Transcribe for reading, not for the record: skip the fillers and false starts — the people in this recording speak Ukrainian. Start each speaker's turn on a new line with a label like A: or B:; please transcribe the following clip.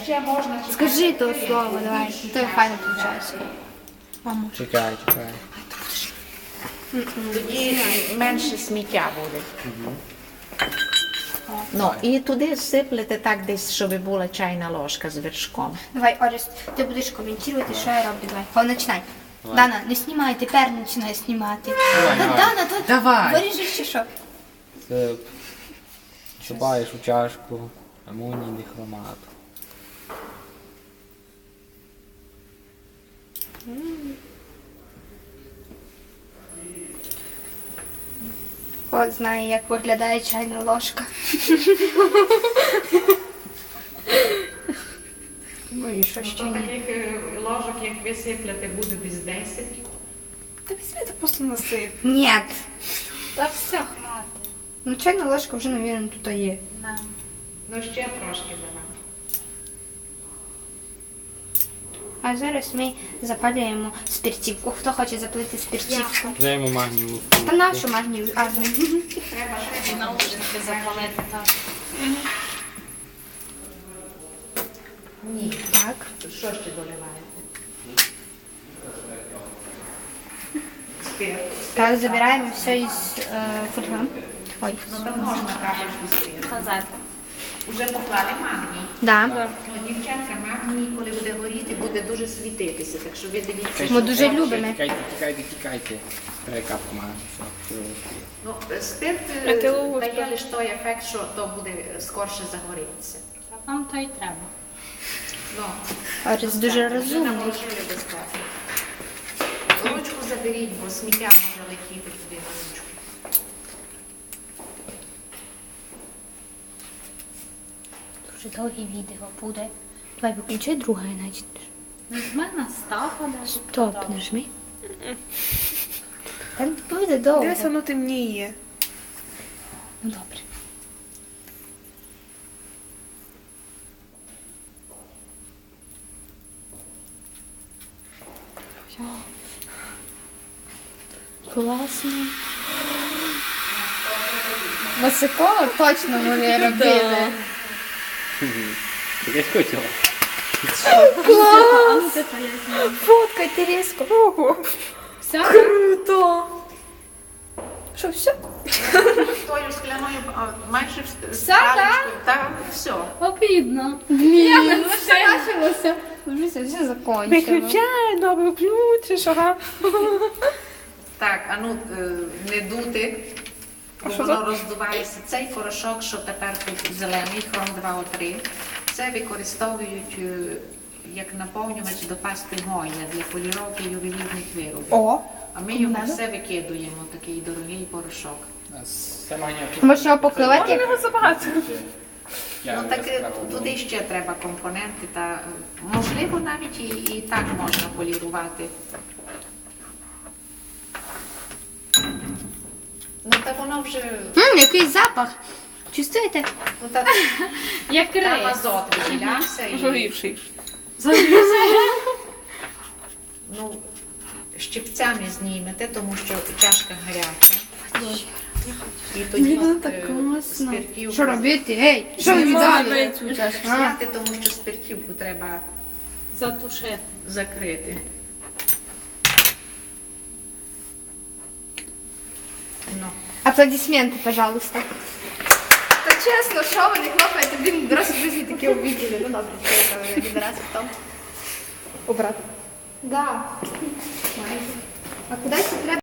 A: ще можна чекати.
B: Скажи то слово, давай. То файно виходить. Мамо.
C: Чекай, чекай.
A: Тоді менше сміття буде. Ну, і туди сиплете так десь, щоб була чайна ложка з вершком.
B: Давай, Орес, ти будеш коментувати, що я роблю. Давай. Починай. Дана, не знімай, тепер починай знімати. Дана, то
A: Давай.
B: виріжеш чи що?
C: Це Чубаєш у чашку амонійний хромат.
B: От знає, як виглядає чайна ложка. Ну і що ще?
A: Таких ложок, як ви сипляте, буде десь 10.
D: Та візьми, ти просто насип.
B: Ні.
D: Та все.
B: Ну чайна ложка вже, мабуть, тут є.
A: Ну, ще трошки давай.
B: А зараз ми запалюємо спиртівку. Хто хоче запалити спиртівку?
C: Даємо магнієву.
B: Та нашу магнію.
A: Треба ще
D: Наушники запалити, так.
A: Ні.
B: Так.
A: Що ще доливаєте? Спирт.
B: Так, забираємо все із фольги. Ой.
A: Ну, то можна капельку спирту.
D: Казати.
A: Уже поклали магній.
B: Да.
A: Ну, дівчатка, магній, коли буде горіти, буде дуже світитися. Так що ви дивіться.
B: Ми дуже любимо.
C: Тікайте, тікайте, тікайте. Треба капку магнію. Все, все.
A: Ну, спирт
D: А ти ловиш
A: дає
D: так?
A: лише той ефект, що то буде скорше загорітися.
D: Нам то й треба.
A: Ну,
B: Орес дуже розумний.
A: наложили безпечно. Ручку заберіть, бо сміття може летіти туди на ручку.
B: Дуже довге відео буде. Давай виключай друге, значить.
D: Нажми на став, подаш.
B: Стоп, нажми. Та не буде довго.
D: Дивись, воно темніє.
B: Ну добре. Класно. Масикова точно вони робили.
C: Ти якась хотіла?
B: Клас! Фоткайте різко. Ого.
D: Все?
B: Круто. Що, все?
A: Тою скляною майже
B: Все, так?
A: Так, все.
D: Обідно.
B: Блін, ну все почалося. Вже все закончило.
D: Виключай, ну виключиш, ага.
A: Так, а ну не дути, бо
D: що
A: воно роздувається. Цей порошок, що тепер тут зелений, хром 2О3, це використовують як наповнювач до пасти Гоя для поліровки ювелірних виробів.
B: О,
A: А ми його все викидуємо, такий дорогий порошок.
C: Це магнія.
B: може його покривати?
D: Можна його забагато.
A: Ну так туди ще треба компоненти, та можливо навіть і так можна полірувати. Ну так воно вже,
B: Який запах. Чувствуєте?
A: ну так,
D: Як
A: там
D: рис.
A: азот виділявся і
D: Горівший.
A: ну, щипцями знімете, тому що чашка гаряча. І тоді спиртівку
B: Що робити? Ей, що ви віддали?
A: зняти, тому що спиртівку треба
D: Затушити.
A: закрити. Ну.
B: Аплодисменти, пожалуйста. Та чесно, що ви не хлопаєте? Блін, дорослі друзі такі увиділи. Ну добре, це відразу в тому. Убрати. Да. А кудись треба